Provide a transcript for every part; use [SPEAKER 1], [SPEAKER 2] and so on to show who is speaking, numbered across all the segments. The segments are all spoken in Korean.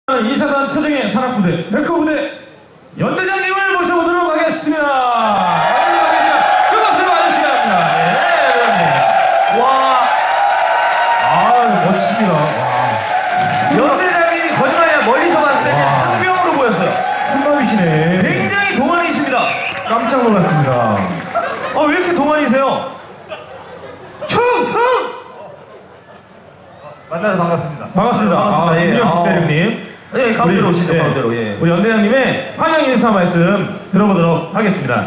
[SPEAKER 1] 이사단 최정의 산악부대 백호부대 연대장님을 모셔보도록 하겠습니다. 큰 박수로 와주시기 바랍니다. 네, 와, 멋지십니다. 와.
[SPEAKER 2] 연대장님이 거짓말이야. 멀리서 봤을 때는 상병으로 보였어요.
[SPEAKER 1] 큰맘이시네.
[SPEAKER 2] 굉장히 동안이십니다.
[SPEAKER 1] 깜짝 놀랐습니다.
[SPEAKER 2] 왜 이렇게 동안이세요?
[SPEAKER 3] 만나서 반갑습니다.
[SPEAKER 1] 반갑습니다.
[SPEAKER 2] 예.
[SPEAKER 1] 김영식 대령님.
[SPEAKER 2] 네, 가운데로 오시죠. 가운데로. 예.
[SPEAKER 1] 우리 연대장님의 환영 인사 말씀 들어보도록 하겠습니다.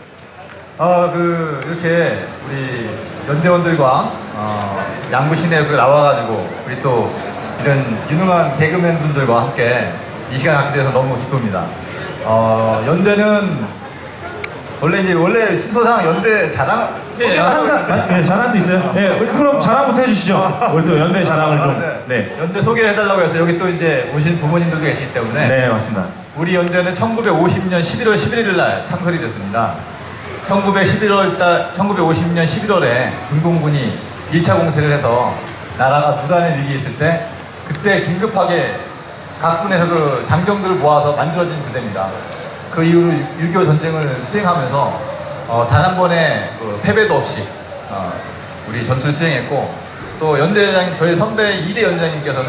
[SPEAKER 3] 이렇게 우리 연대원들과 양구 시내에 나와가지고 우리 또 이런 유능한 개그맨 분들과 함께 이 시간 갖게 돼서 너무 기쁩니다. 연대는 원래 순서상 연대 자랑
[SPEAKER 1] 항상 자랑도 있어요. 네, 그럼 자랑부터 해주시죠. 오늘 또 연대 자랑을 좀. 네.
[SPEAKER 3] 연대 소개를 해달라고 해서 여기 또 이제 오신 부모님들도 계시기 때문에
[SPEAKER 1] 네, 맞습니다.
[SPEAKER 3] 우리 연대는 1950년 11월 11일 날 창설이 됐습니다. 1950년 11월에 중공군이 1차 공세를 해서 나라가 무단의 위기에 있을 때 그때 긴급하게 각 군에서 그 장병들을 모아서 만들어진 부대입니다. 그 이후로 6.25 전쟁을 수행하면서 단 한 번의 패배도 없이 우리 전투를 수행했고, 또 연대장님, 저희 선배 2대 연장님께서는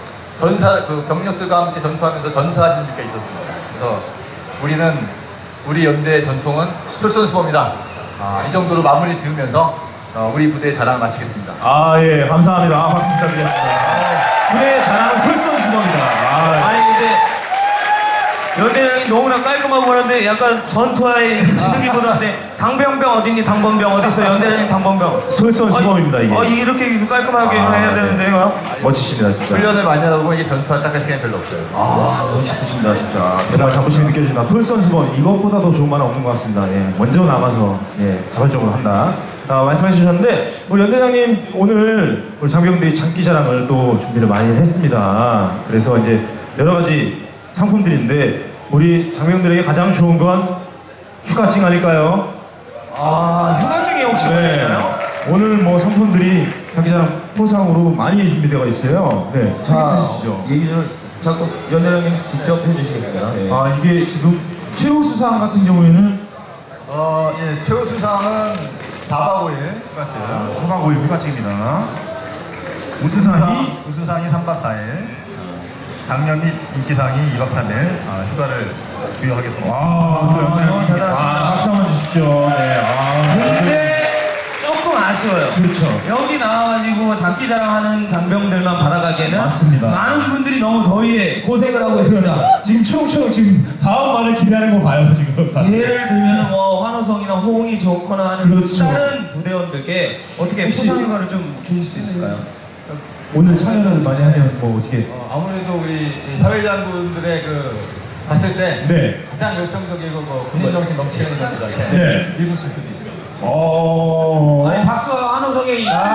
[SPEAKER 3] 병력들과 함께 전투하면서 전사하신 적이 있었습니다. 그래서 우리 연대의 전통은 솔선수범이다. 이 정도로 마무리 지으면서 우리 부대의 자랑을 마치겠습니다.
[SPEAKER 1] 예, 감사합니다. 박수 부탁드리겠습니다. 부대의 자랑은 솔선수범이다.
[SPEAKER 2] 아니 근데 연대장이 너무나 깔끔하고 그런데 약간 전투화에 지능이보다인데 당병병 어딨니? 당번병 어딨어? 연대장님 당번병.
[SPEAKER 1] 솔선수범입니다, 이게.
[SPEAKER 2] 이렇게 깔끔하게 해야 되는데요.
[SPEAKER 1] 멋지십니다, 진짜.
[SPEAKER 3] 훈련을 많이 하다 보면 이게 전투화 딱 할 시간이 별로 없어요.
[SPEAKER 1] 멋있으십니다, 진짜. 정말 자부심이 느껴집니다. 솔선수범, 이것보다 더 좋은 말은 없는 것 같습니다. 예, 먼저 나가서 자발적으로 한다. 말씀해 주셨는데, 우리 연대장님 오늘 우리 장병들이 장기자랑을 또 준비를 많이 했습니다. 그래서 이제 여러 가지 상품들인데, 우리 장병들에게 가장 좋은 건 휴가증 아닐까요?
[SPEAKER 2] 휴가증이 혹시 뭐예요?
[SPEAKER 1] 오늘 뭐 상품들이 장기자랑 포상으로 많이 준비되어 있어요. 네, 소개해 주시죠.
[SPEAKER 2] 얘기 좀 자꾸 연대장님 직접 해주시겠습니다.
[SPEAKER 1] 이게 지금 최우 수상 같은 경우에는
[SPEAKER 3] 최고 수상은 4박 5일 휴가증.
[SPEAKER 1] 4박 5일 휴가증입니다. 우수상이
[SPEAKER 3] 우수상이 3박 4일. 장려 및 인기상이 2박 3일 휴가를 부여하겠습니다.
[SPEAKER 2] 대단하십니다.
[SPEAKER 1] 박수 한번 주십시오. 네.
[SPEAKER 2] 근데 조금 아쉬워요.
[SPEAKER 1] 그렇죠.
[SPEAKER 2] 여기 나와가지고 장기자랑하는 장병들만 받아가기에는
[SPEAKER 1] 맞습니다.
[SPEAKER 2] 많은 분들이 너무 더위에 고생을 하고 있습니다.
[SPEAKER 1] 지금 총총 지금 다음 말을 기다리는 거 봐요 지금.
[SPEAKER 2] 예를 들면 환호성이나 호응이 좋거나 하는
[SPEAKER 1] 그렇죠.
[SPEAKER 2] 다른 부대원들께 어떻게
[SPEAKER 1] 혹시-
[SPEAKER 2] 포상휴가를 좀 주실 수 있을까요?
[SPEAKER 1] 오늘 참여를 많이 하면 뭐 어떻게?
[SPEAKER 3] 아무래도 우리 사회자분들의 봤을 때
[SPEAKER 1] 네.
[SPEAKER 3] 가장 열정적이고 군인정신 넘치는 분들한테
[SPEAKER 1] 네.
[SPEAKER 3] 일부 줄 수도 있어요.
[SPEAKER 2] 아니 박수와 환호성에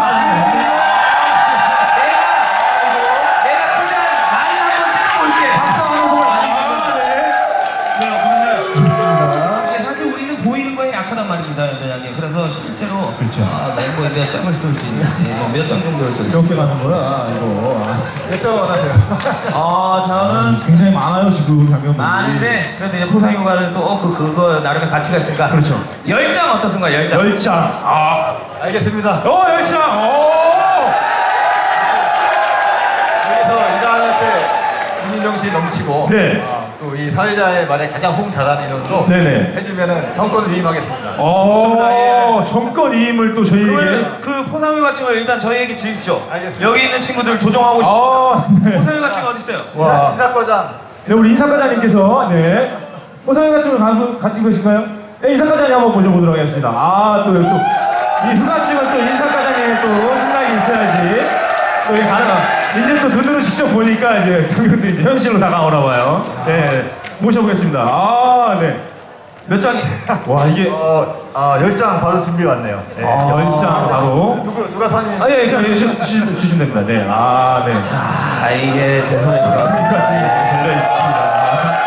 [SPEAKER 2] 내가 최대한 많이 한번 때려볼게. 박수와 환호성을 많이 이게 사실 우리는 보이는 거에 약하단 말입니다, 연대장님. 그래서 실제로
[SPEAKER 1] 그렇죠.
[SPEAKER 2] 몇 장을 쓸 수 있는 몇 장 정도를 쓸 수 있어요.
[SPEAKER 1] 이렇게 가는구나 이거.
[SPEAKER 3] 몇 점 원하세요?
[SPEAKER 2] 저는
[SPEAKER 1] 굉장히 많아요 지금 장면들이.
[SPEAKER 2] 많은데 그래도 이제 포상휴가는 또 그거 나름의 가치가 있으니까.
[SPEAKER 1] 그렇죠.
[SPEAKER 2] 10장 어떻습니까? 10장.
[SPEAKER 1] 10장.
[SPEAKER 3] 알겠습니다.
[SPEAKER 1] 10장.
[SPEAKER 3] 여기서 일하는 때 군인정신이 넘치고
[SPEAKER 1] 네.
[SPEAKER 3] 또 이 사회자의 말에 가장 호응 잘하는 인원으로
[SPEAKER 1] 네네.
[SPEAKER 3] 해주면은 정권을 위임하겠습니다.
[SPEAKER 1] 정권 이임을 또 저희에게.
[SPEAKER 2] 그러면 그 포상휴가증을 일단 저희에게 주십시오.
[SPEAKER 3] 알겠습니다.
[SPEAKER 2] 여기 있는 친구들 조정하고 싶습니다.
[SPEAKER 1] 네.
[SPEAKER 2] 포상휴가증 어디 있어요?
[SPEAKER 1] 와.
[SPEAKER 3] 인사과장
[SPEAKER 1] 네, 우리 인사과장님께서 포상휴가증을 가지고 계신가요? 네, 인사과장님 한번 모셔보도록 하겠습니다. 또 이 휴가증은 또 인사과장의 또 생각이 있어야지 또 이게 가능한. 이제 또 눈으로 직접 보니까 이제 장병들이 이제 현실로 다가오나 봐요. 네, 모셔보겠습니다. 네. 몇 장이? 와, 이게
[SPEAKER 3] 10장 바로 준비 왔네요. 네.
[SPEAKER 1] 10장 바로.
[SPEAKER 3] 누가 선임?
[SPEAKER 1] 예, 그냥 주시면 됩니다. 네. 네.
[SPEAKER 2] 이게 제 손에
[SPEAKER 1] 휴가증이 지금 걸려 있습니다.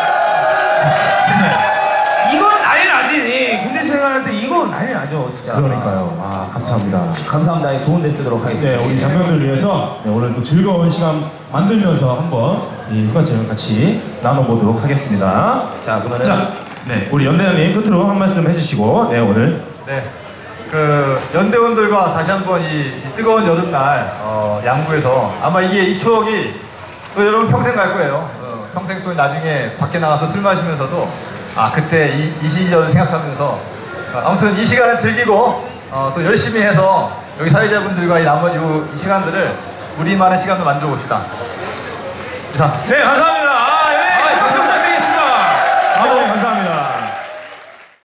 [SPEAKER 2] 이건 난리 나지. 군대 수행할 때 이건 난리 나죠, 진짜.
[SPEAKER 1] 그러니까요. 감사합니다.
[SPEAKER 2] 감사합니다. 좋은 데 쓰도록 하겠습니다.
[SPEAKER 1] 네, 우리 장병들 위해서 오늘 또 즐거운 시간 만들면서 한번 이 휴가증을 같이 나눠보도록 하겠습니다.
[SPEAKER 2] 자, 그러면은
[SPEAKER 1] 자,
[SPEAKER 2] 네.
[SPEAKER 1] 우리 연대장님 끝으로 한 말씀 해주시고, 네, 오늘.
[SPEAKER 3] 네. 그 연대원들과 다시 한번 이 뜨거운 여름날 양구에서 아마 이게 이 추억이 또 여러분 평생 갈 거예요. 평생 또 나중에 밖에 나가서 술 마시면서도 아 그때 이 시절을 생각하면서 아무튼 이 시간을 즐기고 또 열심히 해서 여기 사회자분들과 이 나머지 이 시간들을 우리만의 시간으로 만들어 봅시다. 이상.
[SPEAKER 1] 네, 감사합니다.